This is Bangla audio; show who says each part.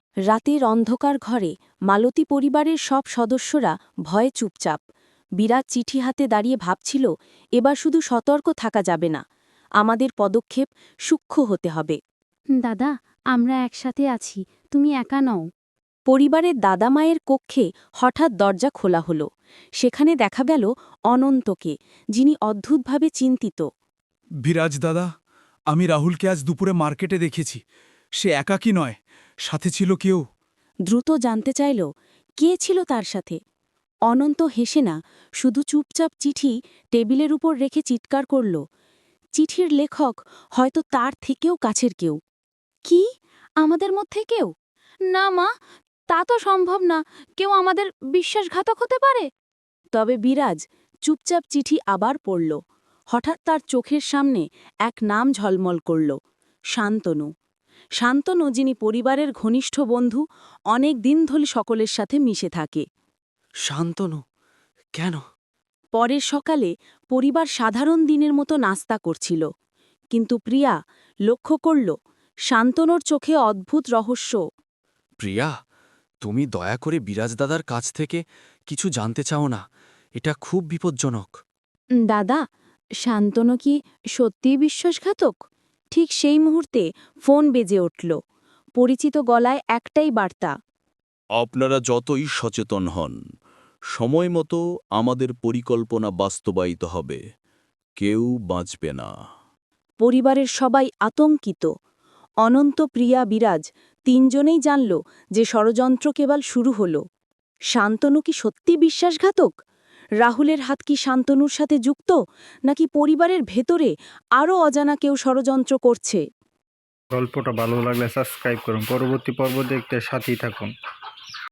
Speaker 1: রাতের অন্ধকার ঘরে মালতী পরিবারের সব সদস্যরা ভয়ে চুপচাপ। বিরাট চিঠি হাতে দাঁড়িয়ে ভাবছিল, এবার শুধু সতর্ক থাকা যাবে না, আমাদের পদক্ষেপ সূক্ষ্ম হতে হবে।
Speaker 2: দাদা, আমরা একসাথে আছি, তুমি একা নও।
Speaker 1: পরিবারের দাদামায়ের কক্ষে হঠাৎ দরজা খোলা হলো। সেখানে দেখা গেল অনন্তকে, যিনি অদ্ভুতভাবে চিন্তিত।
Speaker 3: বিরাজ দাদা, আমি রাহুলকে আজ দুপুরে মার্কেটে দেখেছি। সে একাকী নয়, সাথে ছিল কেউ।
Speaker 1: দ্রুত জানতে চাইল কে ছিল তার সাথে। অনন্ত হেসে না, শুধু চুপচাপ চিঠি টেবিলের উপর রেখে চিৎকার করল, চিঠির লেখক হয়তো তার থেকেও কাছের কেউ।
Speaker 2: কি, আমাদের মধ্যে কেউ? না মা, তা তো সম্ভব না। কেউ আমাদের বিশ্বাসঘাতক হতে পারে?
Speaker 1: তবে বিরাজ চুপচাপ চিঠি আবার পড়ল। হঠাৎ তার চোখের সামনে এক নাম ঝলমল করল, শান্তনু। শান্তনু, যিনি পরিবারের ঘনিষ্ঠ বন্ধু, অনেক দিন ধরে সকলের সাথে মিশে থাকে।
Speaker 4: শান্তনু, কেন?
Speaker 1: পরের সকালে পরিবার সাধারণ দিনের মতো নাস্তা করছিল, কিন্তু প্রিয়া লক্ষ্য করল শান্তনুর চোখে অদ্ভুত রহস্য।
Speaker 4: প্রিয়া, তুমি দয়া করে বিরাজ দাদার কাছ থেকে কিছু জানতে চাও না? এটা খুব বিপজ্জনক।
Speaker 1: দাদা, শান্তনু কি সত্যিই বিশ্বাসঘাতক? ঠিক সেই মুহূর্তে ফোন বেজে উঠল। পরিচিত গলায় একটাই বার্তা।
Speaker 5: আপনারা যতই সচেতন হন, সময় মতো আমাদের পরিকল্পনা বাস্তবায়িত হবে। কেউ বাঁচবে না।
Speaker 1: পরিবারের সবাই আতঙ্কিত। অনন্ত, প্রিয়া, বিরাজ তিনজনেই জানল যে ষড়যন্ত্র কেবল শুরু হল। শান্তনু কি সত্যি বিশ্বাসঘাতক? রাহুলের হাত কি শান্তনুর সাথে যুক্ত, নাকি পরিবারের ভেতরে আরও অজানা কেউ ষড়যন্ত্র করছে?
Speaker 6: গল্পটা ভালো লাগলে সাবস্ক্রাইব করুন, পরবর্তী পর্ব দেখতে সাথেই থাকুন।